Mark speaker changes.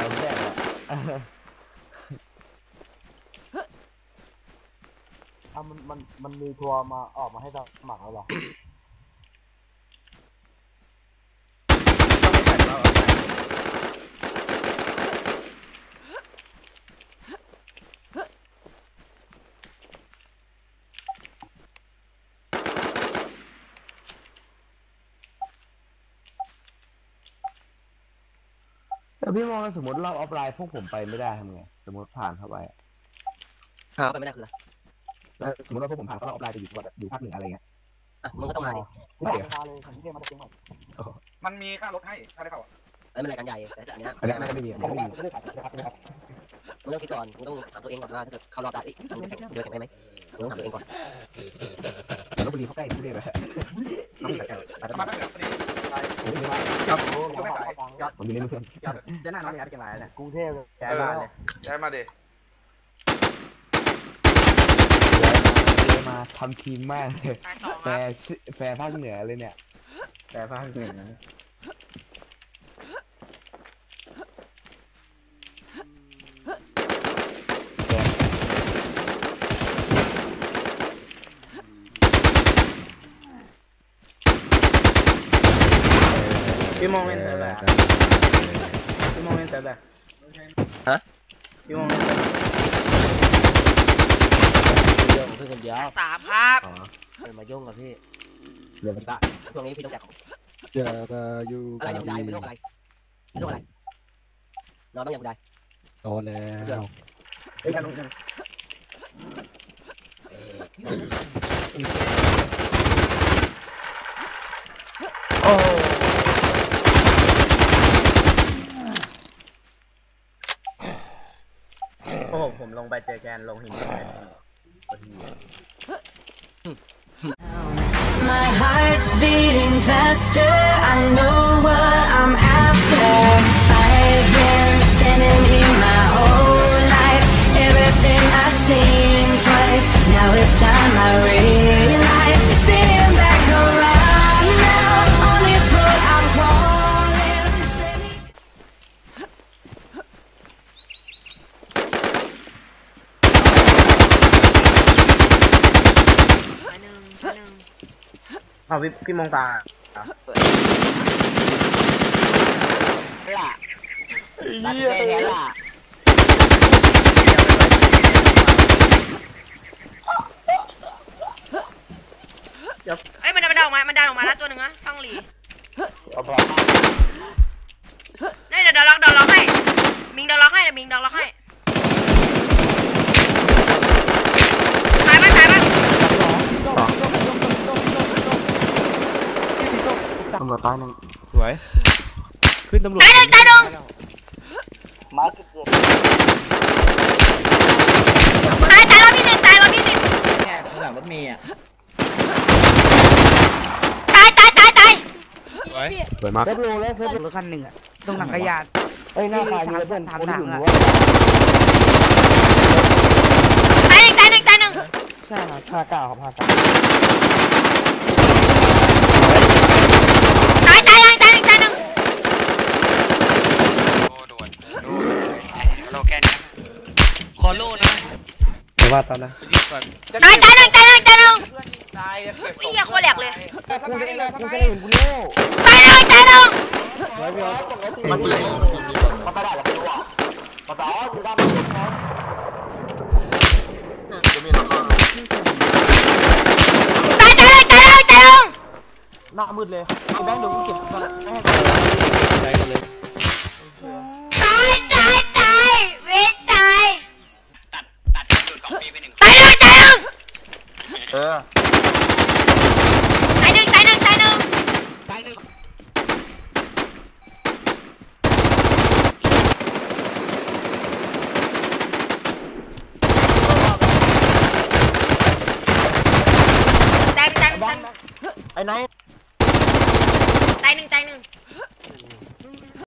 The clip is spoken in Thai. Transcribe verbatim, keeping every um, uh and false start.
Speaker 1: แซ่บ
Speaker 2: อ่ะมันมันมันมีทัวร์มาออกมาให้สมัครแล้วหรอ
Speaker 1: แต่พี่มองสมมติเราออฟไลน์พวกผมไปไม่ได้ทำไงสมมติผ่านเข้าไป
Speaker 3: ครับไปไม่ได้คืออะไร
Speaker 1: สมมติว่าพวกผมผ่านเข้าเราออฟไลน์ไปอยู่แบบอยู่ภาคเหนืออะไรเงี้ย
Speaker 3: อ่ะมึงก็ต้องมาดิ
Speaker 2: ไม่เดี๋ยวมาเลยผมเรียกมาจะเก่งหน่อย
Speaker 4: มันมีค่ารถให้ถ้าได้เข้าอ่ะ
Speaker 3: เอ้ยมันรายการใหญ่แต่อันนี้
Speaker 1: อันนี้ไม่มีไม่มี
Speaker 3: มึงต้องคิดก่อนมึงต้องถามตัวเองก่อนว่าถ้าเกิดเข้ารอบได้เอ้ยมึงจะเดือดแข็งได้ไหมมึงต้องถามตัวเองก่อน
Speaker 1: แต่ลพบุรีเขาใกล้ที่นี่เลย
Speaker 4: มาตั้งแต่ปี
Speaker 1: ผมไม่ว่าครับผมอยู่ในเมือง
Speaker 2: จะน่าน้องยัดกันไรเนี่ยกรุงเทพเลยแกมาเลย
Speaker 4: ย้ายมาดิ
Speaker 1: มาทำทีมมากเลยแฟร์แฟร์ภาคเหนือเลยเนี่ยแฟร์ภาคเหนือ
Speaker 2: พี่มองเป็นอะไรพี่มองเป็นอะไร
Speaker 3: ฮะ
Speaker 2: พี่มองเป็นอะไร
Speaker 3: เรื่องของพี่คนเดียว
Speaker 5: สามครับ
Speaker 3: เป็นมายุ่งกับพี่
Speaker 1: เรื่องตะ
Speaker 3: ช่วงนี้พี่ต้องแจกของ
Speaker 1: เจอก็อยู่
Speaker 3: อะไรยังได้ไม่ต้องอะไรไม่ต้องอะไรนอนบ้างยังได้
Speaker 1: โตแล้ว
Speaker 2: โอ้โอ้ผมลงไปเจอแกนลงหินเลย
Speaker 6: My heart's beating faster. I know what I'm after. I've been standing here my whole life. Everything I've seen twice. Now it's time I realize. Spinning back around now. On this road I'm crawling.
Speaker 2: เอาพี่พี่มองตา
Speaker 3: ล่ะตัดแค่นี้ล่ะ
Speaker 5: เอ้ยมันดันออกมามันดันออกมาแล้วตัวหนึ่งนะซ่องหลีนี่เดี๋ยวเดี๋ยวล็อกเดี๋ยวล็อกให้มิงเดี๋ยวล็อกให้เดี๋ยวมิงเดี๋ยวล็อกให้ตายมั้ยตายมั้ย
Speaker 1: ตำรวจตายหนึ่ง
Speaker 7: สวยขึ้นตำรวจ
Speaker 5: ตายหนึ่งตายหนึ่ง
Speaker 2: มาจุดเกิด
Speaker 5: ตายตายรอบที่หนึ่งตายรอบที่หนึ่ง
Speaker 7: เนี่ยข้างหลังรถเมย์อ่ะ
Speaker 5: ตายตายตายตาย
Speaker 7: สวย
Speaker 1: สวยมาก
Speaker 2: เซฟโลแล้วเซฟรถคันหนึ่งอ่ะตรงหลังกระยานเอ้ยหน้าตายมีเพื่อนทำทางอ่ะ
Speaker 5: ตายหนึ่งตายหนึ่งตายหนึ่ง
Speaker 2: ใช่ครับห้าเก้าครับห้าเก้า
Speaker 5: ตายตายตายหนึ่งตายหนึ่ง
Speaker 7: โอ้โดนโดนเราแกนคอโล่นะ
Speaker 1: แต่ว่าตอนนั้น
Speaker 5: ตายตายหนึ่งตายหนึ่งตายหนึ่งวิ่งอย่างโคตรแหลกเลย
Speaker 2: กูจะได้กูจะได้เห็นกูโน่
Speaker 5: ตายหนึ่งตายหนึ่ง
Speaker 2: มันเลยมันไม่ได้หรอกกูอ่ะมันต่อกูได้ไม่ได้จะมีหนัก
Speaker 5: ตายตายตายตายตาย
Speaker 2: หน้ามืดเลยแบงค์ดูกูเก็บก่อนแม่
Speaker 7: ตายกันเลย
Speaker 5: ตายตายตายเวทตายตัดตัดจุดของปีไปหนึ่งตายหนึ่งตายหนึ่ง
Speaker 2: เออ
Speaker 5: ตายหนึ่งตายหนึ่งตายหนึ่ง
Speaker 7: ตายหนึ่ง
Speaker 5: ตายหนึ่งตายหนึ่ง
Speaker 2: ไอ้ไหน
Speaker 5: ตายหนึ่งตายหนึ่ง